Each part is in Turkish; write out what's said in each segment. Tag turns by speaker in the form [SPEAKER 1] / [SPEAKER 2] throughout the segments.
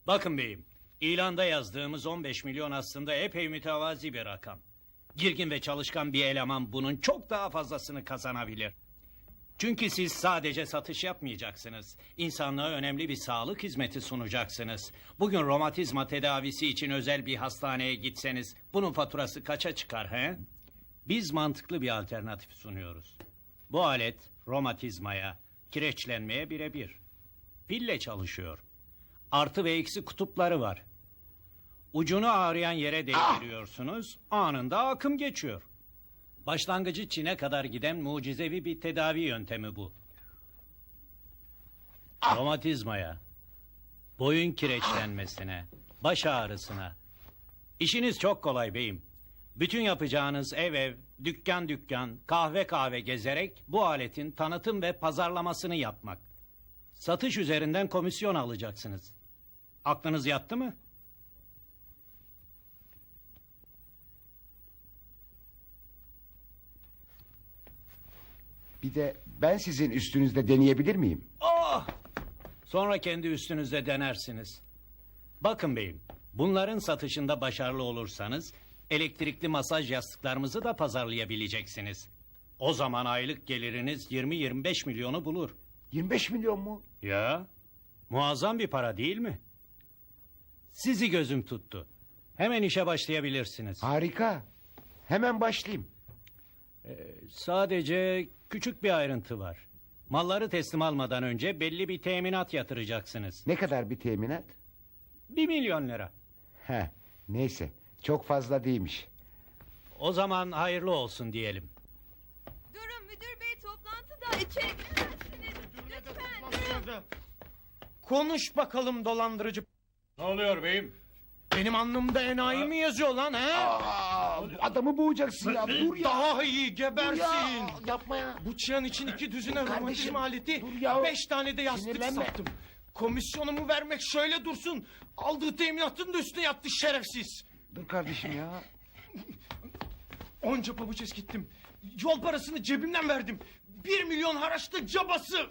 [SPEAKER 1] Bakın beyim, ilanda yazdığımız 15 milyon aslında epey mütevazi bir rakam. Girgin ve çalışkan bir eleman bunun çok daha fazlasını kazanabilir. Çünkü siz sadece satış yapmayacaksınız. İnsanlığa önemli bir sağlık hizmeti sunacaksınız. Bugün romatizma tedavisi için özel bir hastaneye gitseniz bunun faturası kaça çıkar he? Biz mantıklı bir alternatif sunuyoruz. Bu alet romatizmaya, kireçlenmeye birebir. Pille çalışıyor. Artı ve eksi kutupları var. Ucunu ağrıyan yere değdiriyorsunuz, anında akım geçiyor. Başlangıcı Çin'e kadar giden mucizevi bir tedavi yöntemi bu. Romatizmaya, boyun kireçlenmesine, baş ağrısına. İşiniz çok kolay beyim. Bütün yapacağınız ev, dükkan, kahve gezerek bu aletin tanıtım ve pazarlamasını yapmak. Satış üzerinden komisyon alacaksınız. Aklınız yattı mı?
[SPEAKER 2] Bir de ben sizin üstünüzde deneyebilir miyim?
[SPEAKER 1] Oh! Sonra kendi üstünüzde denersiniz. Bakın beyim, bunların satışında başarılı olursanız elektrikli masaj yastıklarımızı da pazarlayabileceksiniz. O zaman aylık geliriniz 20-25 milyonu bulur.
[SPEAKER 2] 25 milyon mu?
[SPEAKER 1] Ya, muazzam bir para değil mi? Sizi gözüm tuttu. Hemen işe başlayabilirsiniz.
[SPEAKER 2] Harika. Hemen başlayayım.
[SPEAKER 1] Sadece küçük bir ayrıntı var. Malları teslim almadan önce belli bir teminat yatıracaksınız.
[SPEAKER 2] Ne kadar bir teminat?
[SPEAKER 1] 1 milyon lira.
[SPEAKER 2] Neyse, çok fazla değilmiş.
[SPEAKER 1] O zaman hayırlı olsun diyelim.
[SPEAKER 3] Durun müdür bey toplantıda içeri giremezsiniz. Lütfen.
[SPEAKER 4] Konuş bakalım dolandırıcı.
[SPEAKER 1] Ne oluyor beyim?
[SPEAKER 4] Benim alnımda enayi mi yazıyor lan he?
[SPEAKER 2] Adamı boğacaksın ya, dur ya.
[SPEAKER 4] Daha iyi gebersin.
[SPEAKER 2] Yapma ya.
[SPEAKER 4] Bu çıyan için 2 düzine romatizma aleti,
[SPEAKER 2] dur ya.
[SPEAKER 4] 5 tane de yastık
[SPEAKER 2] Sinirlenme.
[SPEAKER 4] sattım. Komisyonumu vermek şöyle dursun. Aldığı teminatın da üstüne yattı şerefsiz.
[SPEAKER 2] Dur kardeşim ya.
[SPEAKER 4] Onca pabuç eskittim. Yol parasını cebimden verdim. 1 milyon haraçta cabası.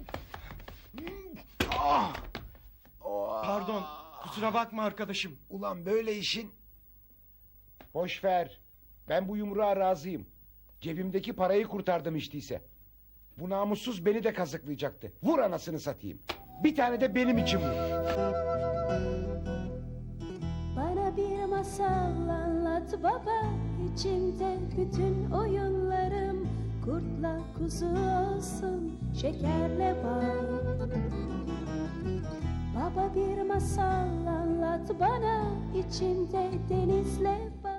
[SPEAKER 4] Pardon, kusura bakma arkadaşım.
[SPEAKER 2] Ulan böyle işin... Boş ver. Ben bu yumruğa razıyım. Cebimdeki parayı kurtardım hiç değilse. Bu namussuz beni de kazıklayacaktı. Vur anasını satayım. Bir tane de benim için vur.
[SPEAKER 5] Bana bir masal anlat baba, içinde bütün oyunlarım. Kurtla kuzu olsun, şekerle bal. Baba bir masal anlat bana, içinde denizle bal.